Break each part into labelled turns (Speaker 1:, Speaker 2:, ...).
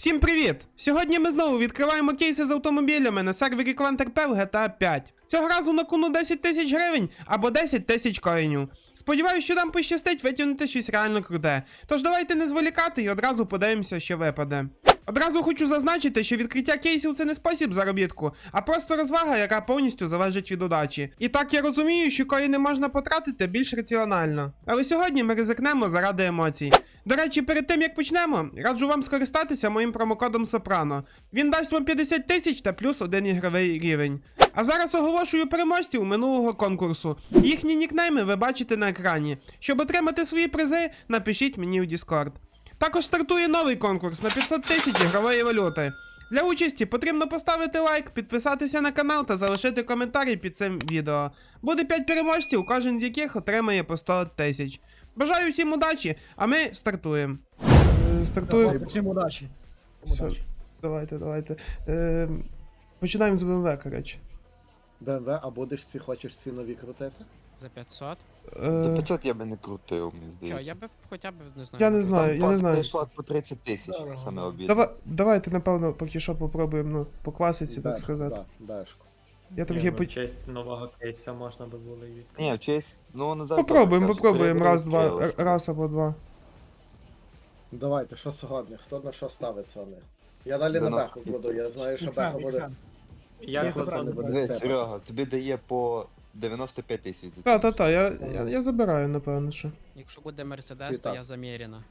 Speaker 1: Всім привіт! Сьогодні ми знову відкриваємо кейси з автомобілями на сервері QuantRP в GTA 5. Цього разу на кону 10 тисяч гривень або 10 тисяч коїнів. Сподіваюсь, що нам пощастить витягнути щось реально круте. Тож давайте не зволікати і одразу подивимося, що випаде. Одразу хочу зазначити, що відкриття кейсів це не спосіб заробітку, а просто розвага, яка повністю залежить від удачі. І так я розумію, що коїни можна потратити більш раціонально. Але сьогодні ми ризикнемо заради емоцій. До речі, перед тим як почнемо, раджу вам скористатися моїм промокодом Сопрано. Він дасть вам 50 тисяч та плюс 1 ігровий рівень. А зараз оголошую переможців минулого конкурсу. Їхні нікнейми ви бачите на екрані. Щоб отримати свої призи, напишіть мені у Discord. Також стартує новий конкурс на 500 тисяч ігрової валюти. Для участі потрібно поставити лайк, підписатися на канал та залишити коментарі під цим відео. Буде 5 переможців, кожен з яких отримає по 100 тисяч. Бажаю всім удачі, а ми стартуємо. Стартуємо.
Speaker 2: Всім удачі.
Speaker 1: Все, давайте. Починаємо з BMW, коротше.
Speaker 3: BMW, а будеш хочеш ці нові крутити?
Speaker 4: За 500?
Speaker 5: За 500 я би не крутив, мені
Speaker 4: Що,
Speaker 5: здається.
Speaker 4: я би хоча б, не знаю.
Speaker 1: Я не знаю, я не знаю.
Speaker 5: Прийшла по 30 тисяч,
Speaker 2: Дорого.
Speaker 5: саме обідно.
Speaker 1: Давайте, напевно, поки що попробуємо, ну, по класиці, так сказати.
Speaker 3: Да, бешку.
Speaker 1: Я трохи
Speaker 2: В честь нового кейса можна би було і відкрити.
Speaker 5: Ні, в честь, ну не завжди.
Speaker 1: Попробуємо, раз або два.
Speaker 3: Давайте, що сьогодні? Хто на що ставиться вони? Я далі на беху буду, я знаю, що беха буде.
Speaker 2: Як
Speaker 3: Ні,
Speaker 2: ви
Speaker 3: це не буде.
Speaker 5: Дивись, Серега, тобі дає по 95 тисяч за
Speaker 1: Та, я забираю, напевно, що.
Speaker 4: Якщо буде Мерседес,
Speaker 3: Ці
Speaker 4: то
Speaker 3: так.
Speaker 4: я заміряна.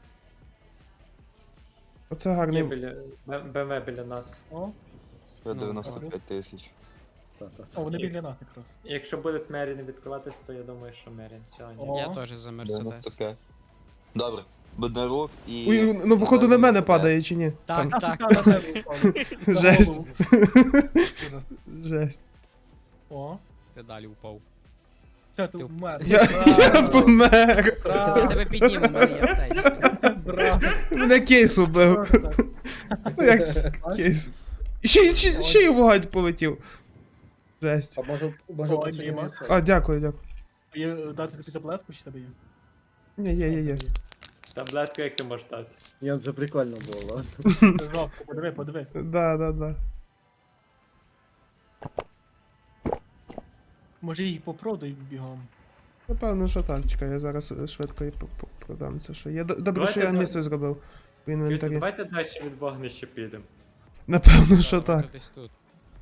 Speaker 1: Оце гарний.
Speaker 2: БМВ біля нас.
Speaker 4: О,
Speaker 5: По 95 тисяч.
Speaker 2: О, вони біля нас якраз. Якщо буде Мерін відкриватись, то я думаю, що Мерін сьогодні.
Speaker 4: я теж за Мерседес.
Speaker 5: 95. Добре. Бондарук і...
Speaker 1: Ой, ну походу на мене падає чи ні?
Speaker 4: Так,
Speaker 1: Там.
Speaker 4: так.
Speaker 1: Жесть. Жесть.
Speaker 2: О,
Speaker 4: Ти далі впав.
Speaker 2: все, ти вмер.
Speaker 1: Я помер.
Speaker 4: Я тебе підніму, в мене є аптечка.
Speaker 2: Браво.
Speaker 1: Мене кейс убив. Ну як кейс. Ще й вогонь полетів. Жесть.
Speaker 3: А може
Speaker 2: О,
Speaker 3: пацанів
Speaker 2: Діма.
Speaker 3: не це?
Speaker 1: А, дякую.
Speaker 2: Є дати тобі таблетку чи тебе є?
Speaker 1: Ні, є.
Speaker 2: Таблетку як ти можеш дати?
Speaker 3: Ні, це прикольно було.
Speaker 2: Жовтку, подиви.
Speaker 1: Да.
Speaker 2: Може їх попродай бігом.
Speaker 1: Напевно, що так, чекай, я зараз швидко і продам це, що є. Добре,
Speaker 2: Давайте
Speaker 1: що я
Speaker 2: на-
Speaker 1: місце зробив в інвентарі.
Speaker 2: Давайте далі від вогнища підемо.
Speaker 1: Напевно, що так.
Speaker 4: Десь тут.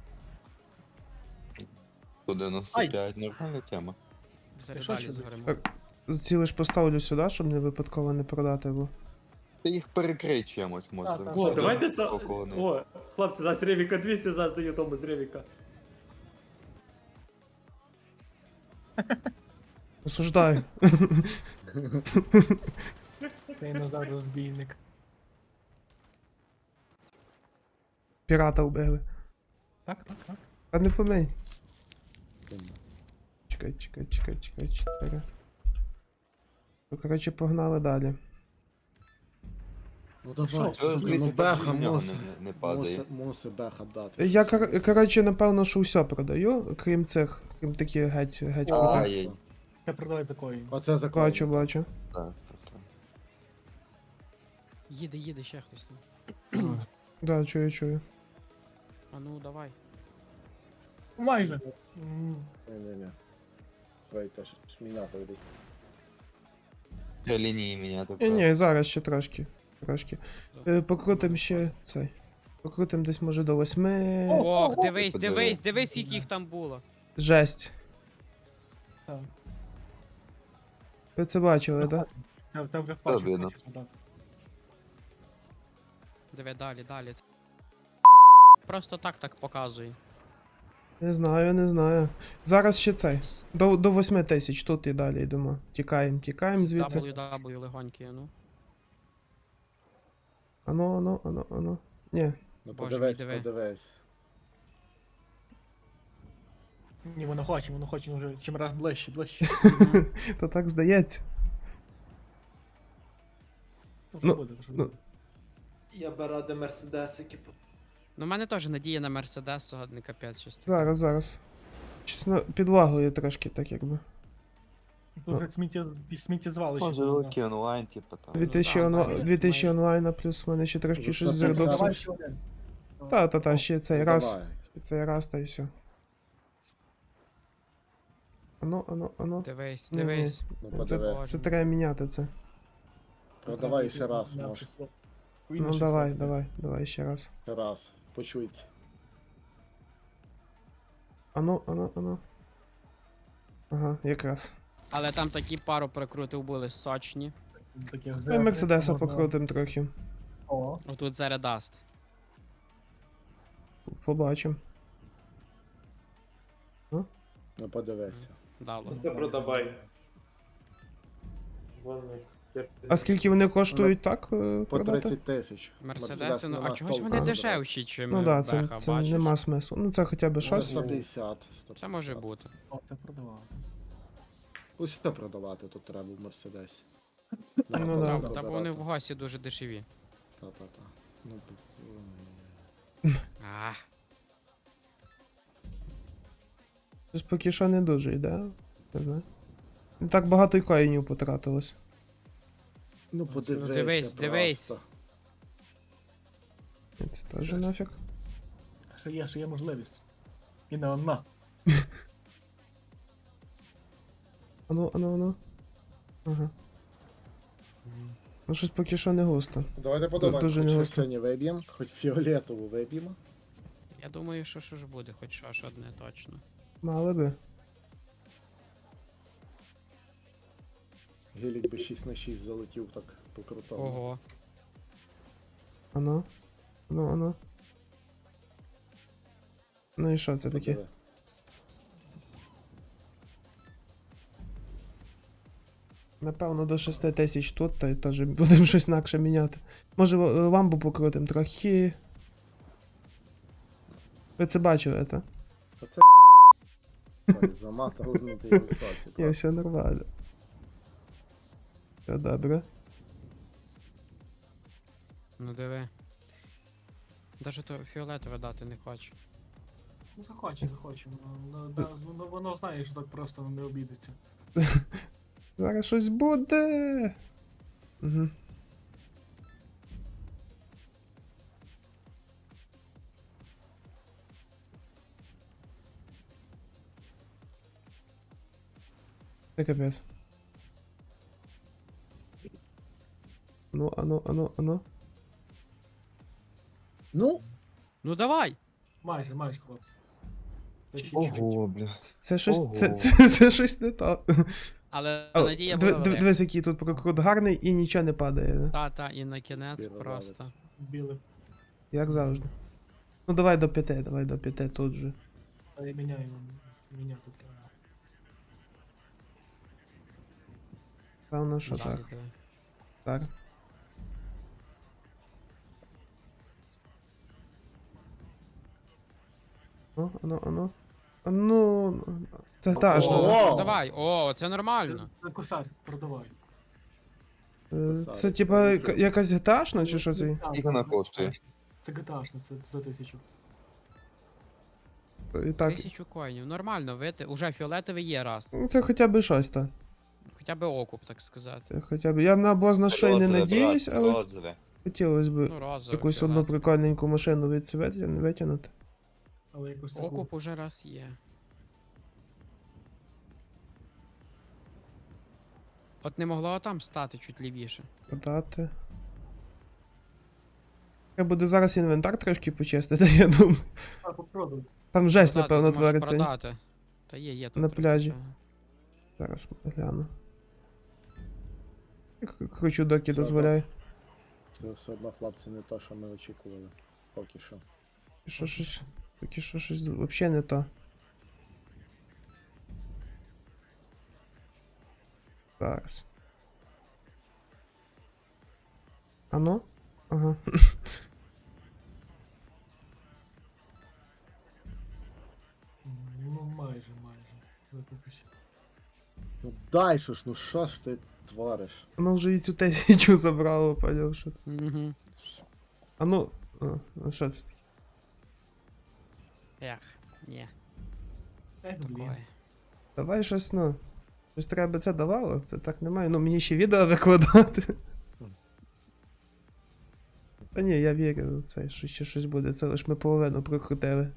Speaker 5: По 95, нормальна тема.
Speaker 4: Зараз
Speaker 2: Що
Speaker 4: далі
Speaker 2: ще
Speaker 4: згоримо.
Speaker 1: Так. Цілиш поставлю сюди, щоб не випадково не продати, бо.
Speaker 5: Ти їх перекрий чимось, може.
Speaker 2: Так.
Speaker 5: О,
Speaker 2: Давайте
Speaker 5: то...
Speaker 2: хлопці, зараз Ревіка, дивіться, зараз даю тому з Ревіка.
Speaker 1: Осуждаю.
Speaker 2: Цей назад розбійник.
Speaker 1: Пірата вбили.
Speaker 2: Так.
Speaker 1: А не помий. Чекай, 4. Ну, коротше, погнали далі.
Speaker 3: Ну давай,
Speaker 2: Що?
Speaker 3: ну беха
Speaker 5: в нього
Speaker 3: мусить.
Speaker 5: не падає.
Speaker 3: Мусить беха дати.
Speaker 1: Я, коротше, напевно, що все продаю, крім таких геть крутих.
Speaker 5: Ай,
Speaker 2: Я продавай за коїн.
Speaker 3: Оце закон.
Speaker 1: Бачу.
Speaker 5: так.
Speaker 4: Їде ще хтось там.
Speaker 1: Да, чую.
Speaker 4: А ну, давай.
Speaker 2: Майже.
Speaker 3: Ні. Вийти, шміна прийде.
Speaker 5: Лінії міняти.
Speaker 1: Ні, зараз ще трошки. Покрутим ще цей. Покрутим десь може до 8.
Speaker 4: Ох,
Speaker 5: подиви.
Speaker 4: дивись, скільки їх там було.
Speaker 1: Жесть.
Speaker 2: Так.
Speaker 1: Ви це бачили, так?
Speaker 2: Та вже
Speaker 5: Обідно.
Speaker 2: хочеш продати.
Speaker 4: Диви, далі. Просто так показує.
Speaker 1: Не знаю. Зараз ще цей. До 8 тисяч, тут і далі йдемо. Тікаємо звідси.
Speaker 4: WW легонький, ну.
Speaker 1: Ано. Ні.
Speaker 3: Ну
Speaker 4: Боже
Speaker 3: подивись,
Speaker 4: мій, диви.
Speaker 3: подивись.
Speaker 2: Ні, воно хоче вже чим раз ближче.
Speaker 1: То так здається.
Speaker 2: Що
Speaker 1: Ну,
Speaker 2: буде?
Speaker 6: Я би радий мерседесики.
Speaker 4: Ну, в мене теж надія на Мерседес, сьогодні капець щось таке.
Speaker 1: Зараз. Чесно, підлагою трошки так якби.
Speaker 7: Тут сміттєзвалище.
Speaker 5: Може, великий онлайн, типу там.
Speaker 1: 2000,
Speaker 4: Ну, так,
Speaker 1: 2000
Speaker 4: майже.
Speaker 1: онлайна, плюс в мене ще трошки
Speaker 3: Ну,
Speaker 1: щось з
Speaker 3: 150.
Speaker 1: редоксом.
Speaker 7: Давай ще один.
Speaker 1: Та, ще цей
Speaker 3: Ну,
Speaker 1: раз.
Speaker 3: давай.
Speaker 1: Ще цей раз, та й все. Ану.
Speaker 4: Дивись,
Speaker 1: Ні,
Speaker 4: дивись.
Speaker 3: Ну,
Speaker 1: Це
Speaker 3: подиви.
Speaker 1: треба міняти це.
Speaker 3: Продавай ще раз,
Speaker 7: Да,
Speaker 3: може.
Speaker 7: число.
Speaker 1: Ну
Speaker 7: Число.
Speaker 1: давай ще раз.
Speaker 3: Ще раз. Почуйте.
Speaker 1: Ану. Ага, якраз.
Speaker 4: Але там такі пару прикрутив були сочні.
Speaker 7: Таке
Speaker 1: Ну і Мерседеса
Speaker 7: можна-
Speaker 1: покрутим трохи.
Speaker 7: О,
Speaker 4: Отут зараз даст.
Speaker 1: Побачимо.
Speaker 3: Ну подивися.
Speaker 4: Дало.
Speaker 2: Це продавай. Вон їх.
Speaker 1: А скільки вони коштують так
Speaker 3: По
Speaker 1: продати?
Speaker 3: 30 тисяч.
Speaker 4: Мерседеси, ну а
Speaker 3: нема
Speaker 4: чогось
Speaker 3: толку
Speaker 4: вони
Speaker 3: забрати.
Speaker 4: дешевші, чим
Speaker 1: Ну да, це
Speaker 4: Беха, бачиш?
Speaker 1: нема смислу. Ну це хоча б
Speaker 3: Може,
Speaker 1: щось.
Speaker 3: 150.
Speaker 4: Це може бути.
Speaker 7: о, це продавав.
Speaker 3: Усе продавати тут треба в Мерседесі.
Speaker 1: Ну да.
Speaker 4: Та бо вони в госі дуже дешеві.
Speaker 3: Та-та-та. Ну,
Speaker 4: А,
Speaker 1: Щось поки що не дуже йде. Не знаю. Не так багато й коїнів потратилось.
Speaker 3: ну подивися.
Speaker 4: дивись.
Speaker 3: просто.
Speaker 1: І це теж нафіг.
Speaker 7: Ще є можливість. І не одна.
Speaker 1: Ану. Ага. Ну щось поки що не густо.
Speaker 3: Давайте подумаємо,
Speaker 1: дуже
Speaker 3: хоч
Speaker 1: не
Speaker 3: щось
Speaker 1: густо.
Speaker 3: сьогодні виб'ємо, хоч фіолетову виб'ємо.
Speaker 4: я думаю, що ж буде, хоч що одне точно.
Speaker 1: Мали би.
Speaker 3: Гелік би 6 на 6 залетів так по крутому.
Speaker 4: Ого.
Speaker 1: Ану. Ну і що це таке?
Speaker 3: Подиви.
Speaker 1: Напевно, до 6 тисяч тут, та й теж будемо щось інакше міняти. Може ламбу покрутим трохи. Ви це бачили, так?
Speaker 3: Оце Ой, заматав, ну ти я в шоці.
Speaker 1: Ні,
Speaker 3: просто.
Speaker 1: все нормально. Все добре.
Speaker 4: Ну диви. Даже то фіолетове дати не хочу.
Speaker 7: Ну захоче. Ну, воно знає, що так просто не обійдеться.
Speaker 1: Зараз щось буде. Угу. Це капець. Ну, ану.
Speaker 3: Ну,
Speaker 4: Ну давай!
Speaker 7: Майже, хлопці.
Speaker 5: Ого, бля.
Speaker 1: Це щось.
Speaker 5: Ого.
Speaker 1: Це щось не то.
Speaker 4: Але
Speaker 1: А,
Speaker 4: надія була велика.
Speaker 1: Дивись, який тут прокрут гарний і нічого не падає.
Speaker 4: Та, і на кінець
Speaker 3: Пірвалець.
Speaker 4: просто.
Speaker 7: Біле.
Speaker 1: Як завжди. Ну давай до 5 тут же.
Speaker 7: А я міняю. Міняти треба.
Speaker 1: Певно, що
Speaker 4: Далі,
Speaker 1: так.
Speaker 4: диви.
Speaker 1: Так. Ану. Це та ж.
Speaker 3: О!
Speaker 4: Ну, давай, о, це нормально.
Speaker 7: Це косарь, продавай.
Speaker 1: Це типа якась геташна чи що це?
Speaker 5: Скільки вона коштує?
Speaker 7: Це GTA, це за 1000.
Speaker 1: І так.
Speaker 4: 1000 коїнів, нормально, вити. Уже фіолетовий є раз.
Speaker 1: Ну, це хоча б щось та.
Speaker 4: Хоча б окуп, так сказати.
Speaker 1: Це хоча б. Я на бос на шиї не
Speaker 5: Розове,
Speaker 1: надіюсь,
Speaker 5: брат,
Speaker 1: але
Speaker 5: розове.
Speaker 1: хотілося б
Speaker 4: Ну, розовий.
Speaker 1: якусь одну
Speaker 4: фіолетовий.
Speaker 1: прикольненьку машину від себе витягнути.
Speaker 7: Але якось таку.
Speaker 4: Окуп уже раз є. От не могло там стати чуть лівіше.
Speaker 1: Продати. Треба буде зараз інвентар трошки почистити, я думаю.
Speaker 7: А, попробуй.
Speaker 1: Там жесть,
Speaker 4: Продати,
Speaker 1: напевно,
Speaker 4: ти можеш
Speaker 1: твориться.
Speaker 4: продати. Та є тут
Speaker 1: На
Speaker 4: трохи
Speaker 1: пляжі.
Speaker 4: цього.
Speaker 1: Зараз гляну. Кручу доки
Speaker 3: Все,
Speaker 1: дозволяю.
Speaker 3: це все одно, хлопці, не то, що ми очікували. Поки що.
Speaker 1: Поки що щось взагалі не то. Зараз. Ану? Ага.
Speaker 7: Ну, майже. Ну, поки що.
Speaker 3: Ну дай що ж, ну що ж ти твориш?
Speaker 1: Воно вже і цю 1000 забрало, поняв, що це.
Speaker 4: Мгм.
Speaker 1: Ану. Ну що це таке?
Speaker 4: Ех, ні,
Speaker 7: Блін.
Speaker 4: такое.
Speaker 1: Давай щось, ну. Щось треба би це давало, це так немає. Ну мені ще відео викладати. Та ні, я вірю в це, що ще щось буде, це лиш ми половину прокрутили.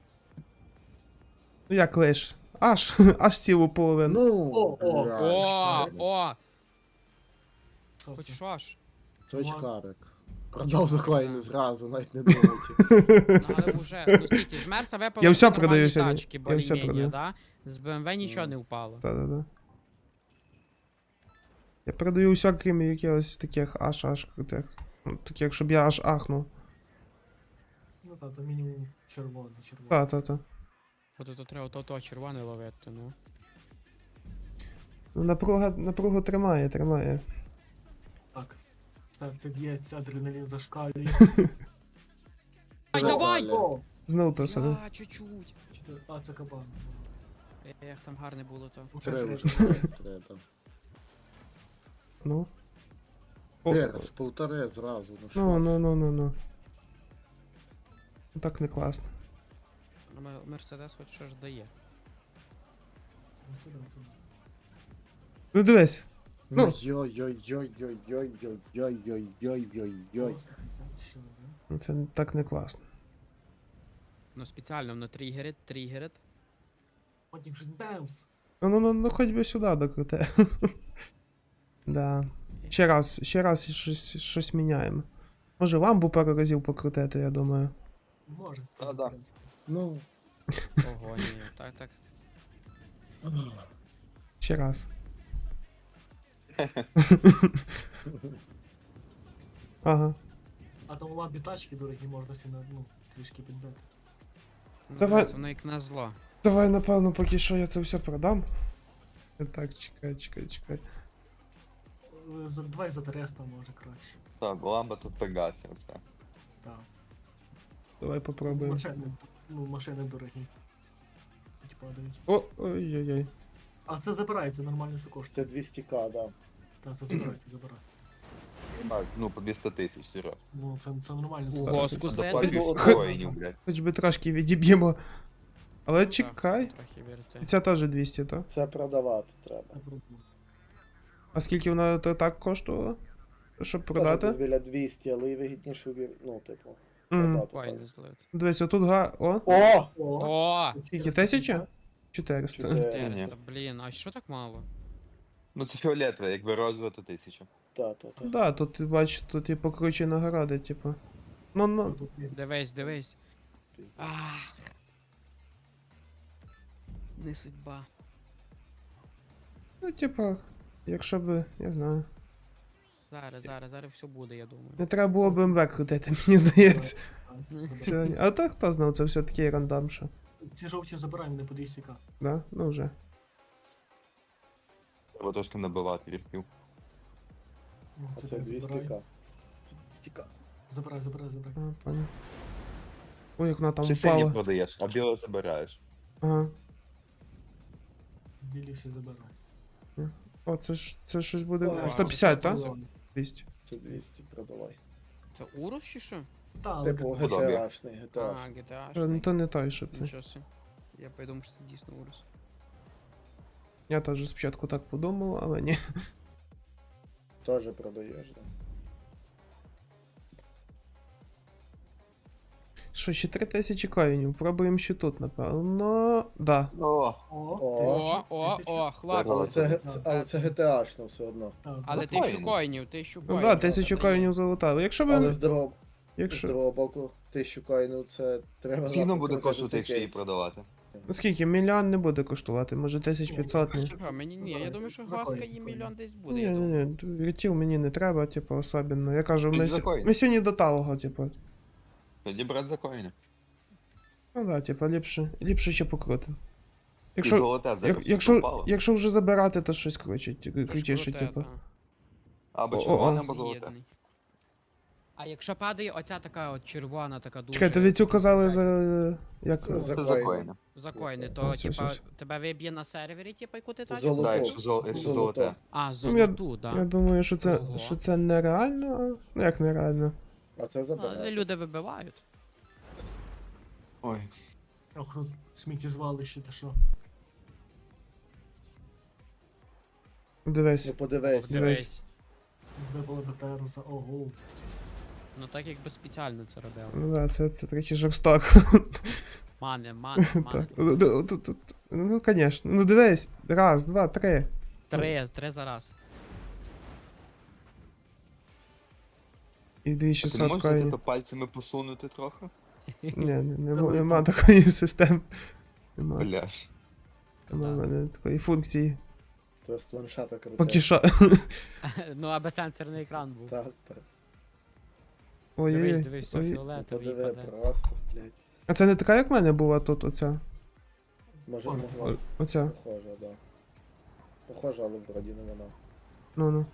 Speaker 1: Ну як лиш? Аж цілу половину.
Speaker 3: Ну,
Speaker 7: О,
Speaker 3: блядь,
Speaker 4: О!
Speaker 7: Що
Speaker 4: Хоч
Speaker 7: це?
Speaker 4: що ж?
Speaker 3: це очкарик. Продав за коїни зразу, навіть не думайте.
Speaker 4: Ну, але вже, ну скільки, з Мерса випало
Speaker 1: Я все
Speaker 4: нормальні
Speaker 1: продаю сьогодні.
Speaker 4: тачки,
Speaker 1: Я все
Speaker 4: более-менее,
Speaker 1: продаю.
Speaker 4: да? З BMW нічого не впало.
Speaker 1: Та-да-да. Я продаю все, крім якихось таких аж крутих. Ну, таких, щоб я аж ахнув.
Speaker 7: Ну так, то мінімум червоний.
Speaker 1: Та-та-та.
Speaker 4: От тут треба то червоне ловити, ну.
Speaker 1: Ну, напругу тримає.
Speaker 7: Так, серце б'ється, адреналін зашкалює.
Speaker 4: Ай, давай!
Speaker 7: О,
Speaker 1: Знов то саме.
Speaker 4: А, чуть-чуть.
Speaker 7: а, це кабан.
Speaker 4: Як там гарне було то.
Speaker 7: Уже
Speaker 3: Треба
Speaker 7: три.
Speaker 3: вже, треба.
Speaker 1: Ну. О,
Speaker 3: З полтори зразу, ну що.
Speaker 1: ну. Так не класно.
Speaker 4: Мерседес хоч що ж дає.
Speaker 7: Ну, це да, це да.
Speaker 1: Ну дивись.
Speaker 3: Ну,
Speaker 1: Ну.
Speaker 3: йой-йой-йой-йой-йой-йой-йой-йой-йой.
Speaker 7: Просто 50 ще, да?
Speaker 1: Ну, це так не класно.
Speaker 4: Ну спеціально воно тригерить.
Speaker 7: Потім щось бемс.
Speaker 1: Ну, хоч би сюди докрути. Да. Ще раз щось міняємо. Може ламбу пару разів покрутити, я думаю.
Speaker 7: Може, це
Speaker 5: А, да.
Speaker 7: інтересно.
Speaker 3: Ну,
Speaker 4: Ого, ні, так.
Speaker 1: Ще раз. Ага.
Speaker 7: А там у лампі тачки дорогі, можна всі на, ну, трішки підбити.
Speaker 4: Ну,
Speaker 1: Давай.
Speaker 4: дивись, воно як на зло.
Speaker 1: Давай, напевно, поки що я це все продам. Так, чекай.
Speaker 7: Давай за 300 може краще.
Speaker 5: Так, ламба тут пегасі, оце.
Speaker 7: Так.
Speaker 1: Давай попробуємо.
Speaker 7: Машини дорогі. Хоч падають.
Speaker 1: Ой-ой-ой.
Speaker 7: А це забирається, нормально все коштує.
Speaker 3: це 200к, да.
Speaker 7: Так, це забирається.
Speaker 5: Так, ну, по 200 тисяч, серйозно.
Speaker 7: Ну, це нормально.
Speaker 4: Ого,
Speaker 7: Це-
Speaker 4: скус
Speaker 5: Доплачуєш
Speaker 1: Х-
Speaker 5: коїнів, блядь.
Speaker 1: Хоч би трошки відіб'ємо. Але
Speaker 4: Ну, так,
Speaker 1: чекай.
Speaker 4: трохи вірте.
Speaker 1: І ця теж 200, так?
Speaker 3: Це продавати треба.
Speaker 7: це круто.
Speaker 1: А скільки вона то так коштувала? Щоб
Speaker 3: Теж
Speaker 1: продати?
Speaker 3: десь біля 200, але і вигідніше, ну, типу,
Speaker 1: Мгм.
Speaker 3: продати.
Speaker 4: Ой,
Speaker 3: так.
Speaker 4: не злить.
Speaker 1: Дивись, отут О!
Speaker 3: О!
Speaker 4: О!
Speaker 1: Скільки, 1000? 400.
Speaker 4: 400, блін, а що так мало?
Speaker 5: Ну це фіолетове, якби розове, то 1000.
Speaker 3: Та.
Speaker 1: Да, тут ти бачиш, тут і покруче нагороди, типу. Ну.
Speaker 7: Тут є.
Speaker 4: Дивись. Ах. Не судьба.
Speaker 1: Ну, типа, якщо би, я знаю.
Speaker 4: Зараз все буде, я думаю.
Speaker 1: Не треба було БМВ крутити, мені здається.
Speaker 7: Забирай.
Speaker 1: Сьогодні. А то хто знав, це все такий рандом, що.
Speaker 7: Ці жовті забираємо не по 200к.
Speaker 1: Да? Ну вже.
Speaker 5: Треба трошки набивати вірків.
Speaker 7: Ну,
Speaker 3: А це
Speaker 7: теж забирай.
Speaker 3: 200к. Це 200к.
Speaker 7: Забирай.
Speaker 1: А, понял. Ой, як вона там
Speaker 5: Чи сині
Speaker 1: впала.
Speaker 5: продаєш, а біле забираєш.
Speaker 1: Ага.
Speaker 7: Білі всі забирай.
Speaker 1: О, це щось буде.
Speaker 3: Ой,
Speaker 1: 150, так?
Speaker 7: так?
Speaker 1: 200.
Speaker 3: Це 200, продавай.
Speaker 4: Це Урус чи що?
Speaker 7: Так, але
Speaker 3: Типу,
Speaker 5: Подобає.
Speaker 3: GTA-шний,
Speaker 4: А,
Speaker 3: GTA.
Speaker 4: GTA.
Speaker 1: Ну то не той, що це.
Speaker 4: Нічого собі. Я подумав, що це дійсно Урус.
Speaker 1: Я теж спочатку так подумав, але ні.
Speaker 3: Теж продаєш, да.
Speaker 1: Що, ще 3000 коїнів. Пробуємо ще тут, напевно. Да.
Speaker 5: О,
Speaker 4: О, хлопці.
Speaker 3: Але це GTA-шно все одно.
Speaker 4: Але
Speaker 5: Коїни.
Speaker 4: 1000 коїнів, 1000
Speaker 1: Ну
Speaker 4: коїнів.
Speaker 1: да, 1000 коїнів залутали. Якщо
Speaker 3: Але
Speaker 1: ви.
Speaker 3: з другого
Speaker 1: Якщо.
Speaker 3: боку, 1000 коїнів це треба.
Speaker 5: скільки
Speaker 3: нахуй
Speaker 5: буде
Speaker 3: крутити
Speaker 5: коштувати,
Speaker 3: цей
Speaker 5: якщо її
Speaker 3: кейс.
Speaker 5: продавати?
Speaker 1: Ну скільки? Мільйон не буде коштувати, може 1500 ні.
Speaker 4: Що, мені ні, я думаю, що
Speaker 7: Закон.
Speaker 4: глазка і мільйон десь буде, я
Speaker 1: Ні,
Speaker 4: думаю.
Speaker 1: віртів мені не треба, типу, особливо. Я кажу,
Speaker 5: Тоді за коїни.
Speaker 1: ми сьогодні до талого, типу.
Speaker 5: Тоді брати за коїни.
Speaker 1: Ну да, типу, ліпше ще покрутим.
Speaker 5: І
Speaker 1: Якщо,
Speaker 5: золоте зараз попало.
Speaker 1: якщо вже забирати, то щось крутіше,
Speaker 4: Круте,
Speaker 1: типу.
Speaker 4: та.
Speaker 5: Або
Speaker 1: О,
Speaker 5: червоне,
Speaker 1: о.
Speaker 5: або золоте.
Speaker 4: З'єднаний. А якщо падає оця така от червона, така дуже...
Speaker 1: Чекай, тобі цю казали за. Як.
Speaker 3: Це за
Speaker 5: Це за
Speaker 3: коїни.
Speaker 5: коїни.
Speaker 4: За коїни,
Speaker 1: О,
Speaker 4: то
Speaker 1: все,
Speaker 4: типа
Speaker 1: все.
Speaker 4: тебе виб'є на сервері, типа, яку ти тачку?
Speaker 3: Золото.
Speaker 5: Так, якщо золоте.
Speaker 4: А,
Speaker 1: Я
Speaker 4: золоту, да.
Speaker 1: думаю, що
Speaker 4: Ого.
Speaker 1: це нереально. Ну як нереально?
Speaker 3: А це
Speaker 4: Але
Speaker 3: забирає.
Speaker 4: люди вибивають.
Speaker 5: Ой.
Speaker 7: Ох, тут сміттєзвалище, та що.
Speaker 1: Дивись.
Speaker 3: Ну подивись.
Speaker 4: Дивись.
Speaker 7: Вибили БТР за ого.
Speaker 4: Ну так якби спеціально це робив.
Speaker 1: Ну да, це трохи жорстоко.
Speaker 4: Мане.
Speaker 1: Так. Ну, конечно. Ну дивись. Раз, два, три.
Speaker 4: Три за раз.
Speaker 1: І
Speaker 5: Ти не
Speaker 1: 2600
Speaker 5: можеш
Speaker 1: коїнів.
Speaker 5: то пальцями посунути трохи?
Speaker 1: Нема такої системи. Нема
Speaker 5: Бля.
Speaker 1: в мене такої функції.
Speaker 3: То з планшета крутив.
Speaker 1: Поки що.
Speaker 4: Ну, аби сенсорний екран був.
Speaker 3: Так, так.
Speaker 1: Ой-ой-ой.
Speaker 4: Дивись, все
Speaker 1: Ой.
Speaker 4: фіолетовий
Speaker 3: Подиви,
Speaker 4: паде.
Speaker 3: просто, блядь.
Speaker 1: А це не така, як в мене була тут, оця?
Speaker 3: Може могла.
Speaker 1: Оця.
Speaker 3: Похоже, да. Похоже, але вроді не вона.
Speaker 1: Ну.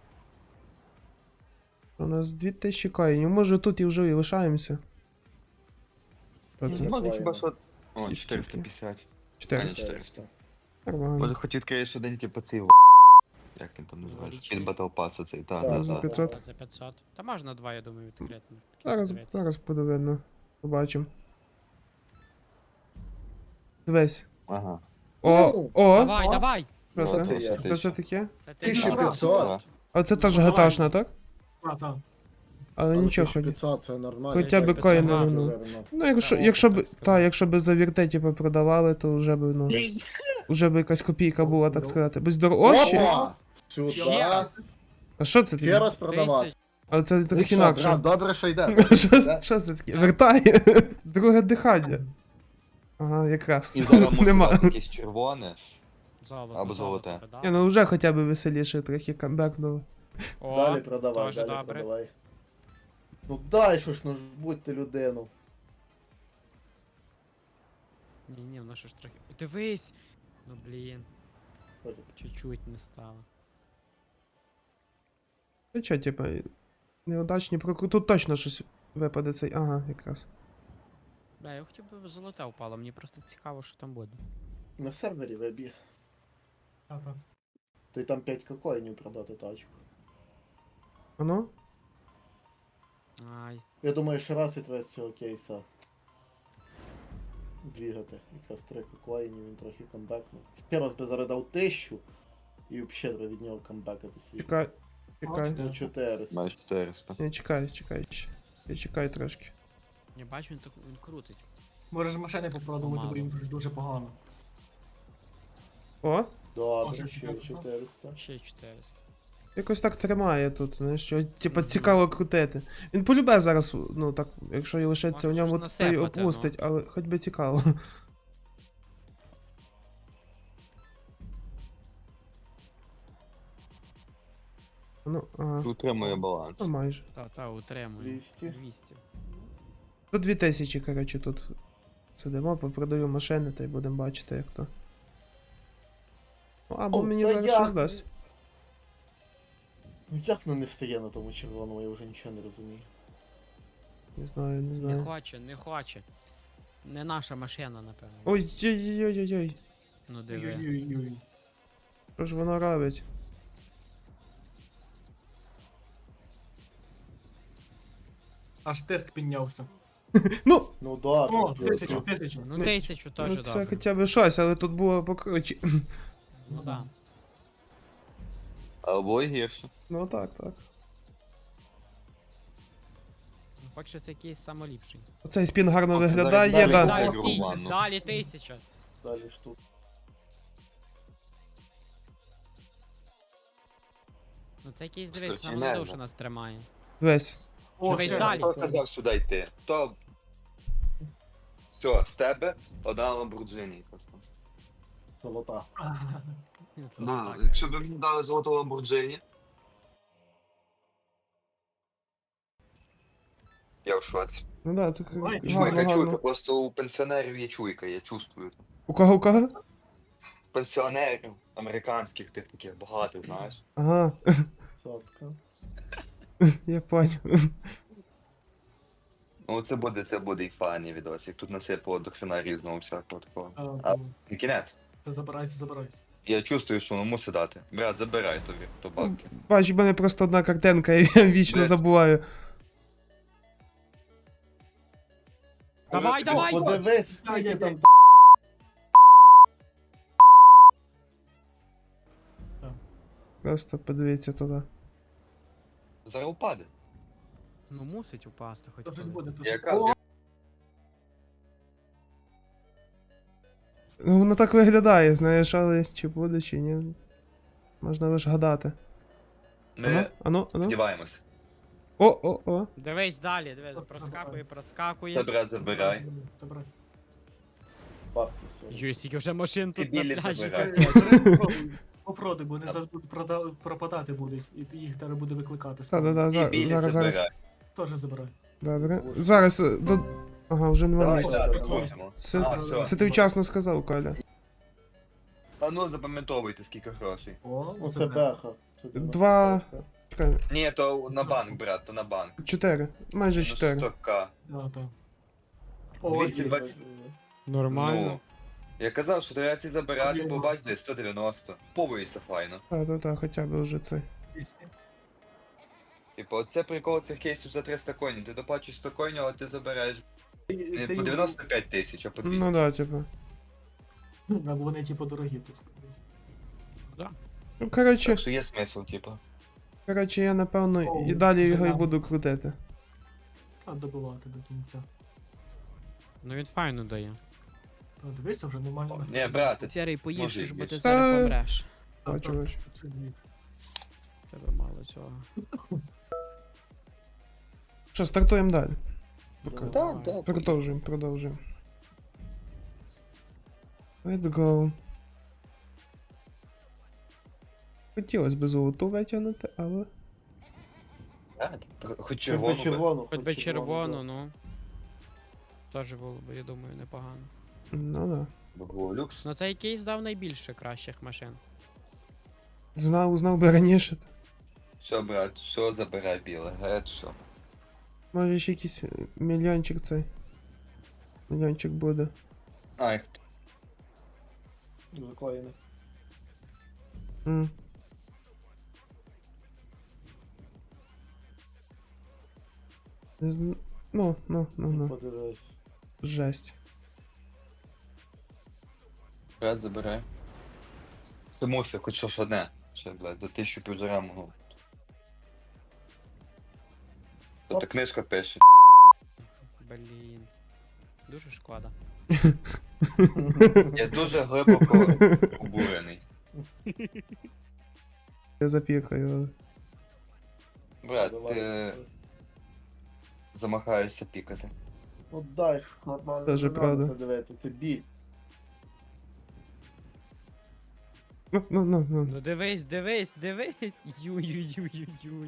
Speaker 1: У нас 2000 коїнів. Може тут і вже і лишаємося. Що це?
Speaker 3: Ну,
Speaker 5: Може
Speaker 3: Коїни.
Speaker 5: хіба що... О,
Speaker 1: Скільки?
Speaker 5: 450.
Speaker 1: 400.
Speaker 5: 400.
Speaker 1: Нормально.
Speaker 5: Може хоч відкриєш один типу цей як він там називається?
Speaker 4: Величий.
Speaker 5: Під Battle Pass оцей,
Speaker 3: Так,
Speaker 5: так,
Speaker 1: за
Speaker 5: так.
Speaker 1: 500.
Speaker 4: За 500. Та можна два, я думаю, відкрити.
Speaker 1: Зараз буде видно. Побачимо. Дивись.
Speaker 5: Ага.
Speaker 3: Ну,
Speaker 1: О!
Speaker 4: Давай!
Speaker 1: Що
Speaker 3: Що
Speaker 1: це?
Speaker 3: це є?
Speaker 1: Що це таке?
Speaker 4: Це
Speaker 3: 1500.
Speaker 1: А це теж гаташна, так?
Speaker 7: Так.
Speaker 1: Але нічого ході.
Speaker 3: 500, це нормально.
Speaker 1: Хоча б
Speaker 4: Так,
Speaker 1: коїни,
Speaker 4: 500,
Speaker 1: ну.
Speaker 3: Виверно.
Speaker 1: Ну, якщо,
Speaker 4: Та,
Speaker 1: якщо
Speaker 4: так
Speaker 1: б.
Speaker 4: сказати.
Speaker 1: Та, якщо б за віртеті продавали, то вже б, ну. Вже б якась копійка була, так сказати. Без дорожчі?
Speaker 3: Опа!
Speaker 4: Ще
Speaker 3: Сюди.
Speaker 4: раз.
Speaker 1: А що це
Speaker 3: Ще
Speaker 1: таке?
Speaker 3: раз продавати.
Speaker 1: Але це
Speaker 3: Ну
Speaker 1: трохи
Speaker 3: що,
Speaker 1: інакше.
Speaker 3: брат, добре, що йде.
Speaker 1: Що це таке? Вертає. Друге дихання. Ага, якраз.
Speaker 5: І зараз може
Speaker 1: Нема.
Speaker 5: дати якесь червоне.
Speaker 4: Золото.
Speaker 5: Або золоте.
Speaker 1: Ні, ну вже хоча б веселіше трохи камбекнули.
Speaker 4: О,
Speaker 3: Далі продавай,
Speaker 4: дуже
Speaker 3: далі
Speaker 4: добре.
Speaker 3: продавай. Ну дай що ж, ну ж будьте людину.
Speaker 4: Ні, воно ще ж трохи. Дивись! Ну блін,
Speaker 3: Ой,
Speaker 4: чуть-чуть не стало.
Speaker 1: Та чо, типа, неудачні прокрути. Тут точно щось випаде цей. Ага, якраз.
Speaker 4: Бля, я хотів би золоте впало, мені просто цікаво, що там буде.
Speaker 3: На сервері вибіг.
Speaker 7: Так.
Speaker 3: То й там 5 коїнів продати тачку.
Speaker 1: Воно?
Speaker 4: Ай.
Speaker 3: Я думаю, що раз і треба з цього кейса двігати. Якраз 3 коїнів, він трохи камбекнув. Ще раз би зараз дав 1000 і взагалі треба від нього камбекати свій.
Speaker 1: Чекай. Чекай.
Speaker 3: Ну, 400.
Speaker 5: Майже 400.
Speaker 1: Не, чекай ще. Я чекаю трошки.
Speaker 4: Я бачу, він так він крутить.
Speaker 7: Можеш машини попробувати, бо
Speaker 4: Мало.
Speaker 7: їм дуже погано.
Speaker 1: О!
Speaker 3: Добре,
Speaker 7: Може,
Speaker 3: ще
Speaker 7: 400?
Speaker 3: 400.
Speaker 4: Ще 400.
Speaker 1: Якось так тримає тут, знаєш, що, типа, цікаво крутити. Він полюбе зараз, ну так, якщо і лишиться в
Speaker 4: Може,
Speaker 1: ньому,
Speaker 4: щось
Speaker 1: то й
Speaker 4: насипати,
Speaker 1: опустить, але хоч би цікаво. Ну, ага,
Speaker 5: Утримує баланс.
Speaker 1: ну майже.
Speaker 4: Та, утримує.
Speaker 3: 200.
Speaker 4: 200.
Speaker 1: До 2000, коротше, тут сидимо, попродаю машини, та й будемо бачити, як то. Ну, або
Speaker 3: О,
Speaker 1: мені
Speaker 3: та
Speaker 1: зараз
Speaker 3: як?
Speaker 1: щось дасть.
Speaker 3: Ну як воно не стає на тому червоному, я вже нічого не розумію.
Speaker 1: Не знаю, не
Speaker 4: Не
Speaker 1: знаю.
Speaker 4: хоче, не хоче. Не наша машина, напевно.
Speaker 1: Ой-ой-ой-ой-ой.
Speaker 4: Ну диви.
Speaker 7: Ой-ой-ой.
Speaker 1: Що ж воно робить?
Speaker 7: Аж тиск піднявся.
Speaker 1: Ну!
Speaker 3: Ну добре.
Speaker 7: О,
Speaker 3: плюс.
Speaker 7: 1000.
Speaker 4: Ну
Speaker 1: Ну,
Speaker 4: 1000 теж
Speaker 1: Ну, це
Speaker 4: добре.
Speaker 1: хоча б щось, але тут було покруче.
Speaker 4: Ну да.
Speaker 5: Або і гірше.
Speaker 1: Ну так, так.
Speaker 4: Хочеться якийсь самоліпший.
Speaker 1: Оцей спін гарно
Speaker 5: О, це
Speaker 1: виглядає,
Speaker 5: зараз
Speaker 1: да.
Speaker 5: далі.
Speaker 4: Далі,
Speaker 5: так,
Speaker 4: стій,
Speaker 5: Роман, ну.
Speaker 4: далі 1000.
Speaker 3: Далі ж тут.
Speaker 4: Ну це якийсь
Speaker 5: Що,
Speaker 4: дивись,
Speaker 5: чи
Speaker 4: нам
Speaker 5: нервно?
Speaker 4: душа нас тримає.
Speaker 1: Весь.
Speaker 7: О,
Speaker 4: Давай
Speaker 7: ще.
Speaker 4: далі.
Speaker 5: Хто казав сюди йти? Хто? Все, з тебе одна Lamborghini просто.
Speaker 3: Золота.
Speaker 5: Ну, якщо б мені дали золоту Lamborghini. Я в шоці.
Speaker 1: Ну да, це
Speaker 7: Ой,
Speaker 1: гарно,
Speaker 5: Чуйка, чуйка,
Speaker 1: гарно.
Speaker 5: просто у пенсіонерів є чуйка, я чувствую.
Speaker 1: У кого, у кого?
Speaker 5: Пенсіонерів американських тих таких багатих, знаєш.
Speaker 1: Ага,
Speaker 3: Сотка.
Speaker 1: я понял.
Speaker 5: Ну це буде і файний відос, як тут насипало до хрена різного всякого такого.
Speaker 7: А,
Speaker 5: І кінець.
Speaker 7: Забирайся.
Speaker 5: Я чувствую, що воно мусить дати. Брат, забирай тобі, то бабки.
Speaker 1: Бач, в мене просто одна картинка, і я вічно
Speaker 5: Де?
Speaker 1: забуваю.
Speaker 4: Давай, давай!
Speaker 3: Подивись, скільки там.
Speaker 1: Просто подивіться туди.
Speaker 5: Зараз упаде.
Speaker 4: Ну мусить упасти хоч
Speaker 7: То щось
Speaker 4: колись.
Speaker 7: буде, то
Speaker 5: Я
Speaker 7: щось.
Speaker 5: кажу,
Speaker 1: Ну, воно так виглядає, знаєш, але чи буде, чи ні. Можна лише гадати.
Speaker 5: ми
Speaker 1: Ану.
Speaker 5: сподіваємось.
Speaker 1: О.
Speaker 4: Дивись далі, дивись, проскакує.
Speaker 5: Це брат забирай.
Speaker 7: Забирай.
Speaker 3: Бабки сьогодні.
Speaker 4: Юй, скільки вже машин
Speaker 5: Ці
Speaker 4: тут на
Speaker 5: білі
Speaker 4: пляжі.
Speaker 5: забирай.
Speaker 7: Попродай, бо вони зараз будуть пропадати будуть, і їх треба буде викликати.
Speaker 1: Та-да-да,
Speaker 5: Ці білі
Speaker 1: зараз.
Speaker 5: забирай.
Speaker 7: Теж забирай.
Speaker 1: Добре. Зараз до. Ага, вже нема
Speaker 5: Давай,
Speaker 1: місця.
Speaker 5: так, крутимо. А, все.
Speaker 1: Це ти вчасно сказав, Коля.
Speaker 5: А ну запам'ятовуйте, скільки грошей.
Speaker 7: О,
Speaker 3: Оце
Speaker 7: забирай.
Speaker 3: беха. Це
Speaker 1: Два. Чекай,
Speaker 5: Ні, то на банк, брат, то на банк.
Speaker 1: 4. Майже
Speaker 5: Ну,
Speaker 1: 4.
Speaker 5: 100к.
Speaker 7: Да, так. О,
Speaker 5: 220.
Speaker 4: Нормально.
Speaker 5: Ну, я казав, що треба ці забирати, побачите, 190. Повоїся файно.
Speaker 1: Та, хоча б вже це.
Speaker 5: Типу, оце прикол цих кейсів за 300 коїнів. Ти доплачуєш 100 коїнів, але ти забираєш не по 95 тисяч, а по 200.
Speaker 1: Ну да, типу.
Speaker 7: Да, бо вони типу дорогі тут.
Speaker 1: Ну, коротше,
Speaker 5: Так що є смисл, типу.
Speaker 1: я напевно
Speaker 7: О,
Speaker 1: і далі його і
Speaker 7: занадто.
Speaker 1: буду крутити.
Speaker 7: А добивати до кінця.
Speaker 4: Ну він файно дає.
Speaker 7: Та дивися, вже нормально.
Speaker 5: Ні, брат,
Speaker 4: Сірий,
Speaker 5: Може,
Speaker 4: поїж,
Speaker 5: і
Speaker 4: бо ти
Speaker 5: більше.
Speaker 4: зараз помреш.
Speaker 1: Бачу.
Speaker 4: Тебе мало цього.
Speaker 1: Що, стартуємо далі.
Speaker 5: Так, так.
Speaker 1: Продовжуємо. Let's go. Хотілося б золоту витягнути, але.
Speaker 5: Хоч
Speaker 3: Червону.
Speaker 5: червону.
Speaker 4: Хоч би червону, ну. Теж було б, я думаю, непогано.
Speaker 1: Ну да.
Speaker 5: Бо було люкс.
Speaker 4: Ну цей кейс дав найбільше кращих машин.
Speaker 1: Знав би раніше.
Speaker 5: Все, брат, все забирай біле, геть, все.
Speaker 1: Може ще якийсь мільйончик цей. Мільйончик буде.
Speaker 5: Ай,
Speaker 3: Закоєний.
Speaker 1: М. Ну.
Speaker 3: Подивись.
Speaker 1: Жесть.
Speaker 5: брат, забирай. Це мусить, хоч щось одне. Ще, блядь, до 1500 могу. Тут книжка пише.
Speaker 4: Блін. Дуже шкода.
Speaker 5: Я дуже глибоко обурений.
Speaker 1: Я запікаю.
Speaker 5: Брат,
Speaker 3: Давай.
Speaker 5: ти замахаєшся пікати.
Speaker 3: Ну дай ж, нормально.
Speaker 1: Даже
Speaker 3: не надо
Speaker 1: правда.
Speaker 3: Це дивитися, це біль.
Speaker 1: Ну.
Speaker 4: Ну дивись. Юй.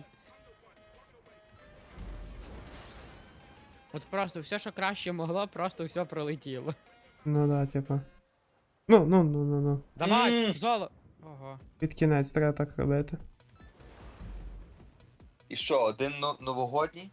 Speaker 4: От просто все, що краще могло, просто все пролетіло.
Speaker 1: Ну да, типа. Ну.
Speaker 4: Давай, золо. Ого.
Speaker 1: Під кінець треба так робити.
Speaker 5: І що, один новогодній?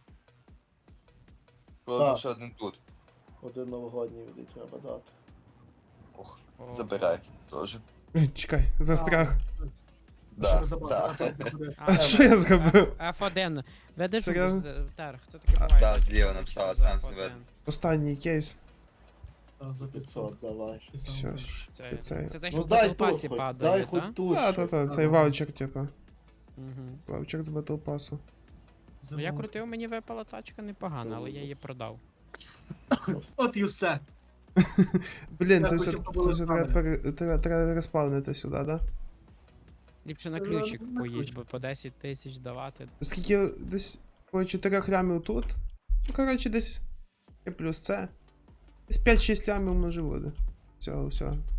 Speaker 3: Так.
Speaker 5: Ще один тут.
Speaker 3: Один новогодній від треба дати.
Speaker 5: Ох,
Speaker 4: Ого.
Speaker 5: забирай. Теж.
Speaker 1: Чекай, застряг.
Speaker 5: Да,
Speaker 7: Що забрати?
Speaker 5: да.
Speaker 1: А що я зробив?
Speaker 4: F1. Ведеш
Speaker 1: Серйозно?
Speaker 4: Терх, хто таке
Speaker 1: А,
Speaker 4: буває?
Speaker 5: Так, зліва написала, сам
Speaker 4: F1.
Speaker 5: себе.
Speaker 1: Останній кейс.
Speaker 7: За 500.
Speaker 3: 500, давай.
Speaker 1: Все ж.
Speaker 4: Це,
Speaker 1: Це.
Speaker 4: це що
Speaker 3: Ну
Speaker 4: в
Speaker 3: дай
Speaker 4: Battle
Speaker 3: тут
Speaker 4: Pass
Speaker 3: хоч,
Speaker 4: падає,
Speaker 3: дай
Speaker 4: та?
Speaker 3: хоч тут.
Speaker 1: Та,
Speaker 3: щось.
Speaker 1: цей ваучер, типа.
Speaker 4: Мгм.
Speaker 1: Ваучер з Battle Pass.
Speaker 4: Ну я крутив, мені випала тачка непогана, але я її продав.
Speaker 7: От і все.
Speaker 1: Блін, це
Speaker 7: Я
Speaker 1: все
Speaker 7: хотів побути
Speaker 1: треба респавнити сюди, да?
Speaker 4: Ліпше на
Speaker 7: Ну,
Speaker 4: ключик
Speaker 7: на
Speaker 4: поїдь,
Speaker 7: ключик.
Speaker 4: бо по 10 тисяч давати.
Speaker 1: Скільки десь по 4 лямів тут. Ну, коротше, десь і плюс це. Десь 5-6 лямів може буде. Всього.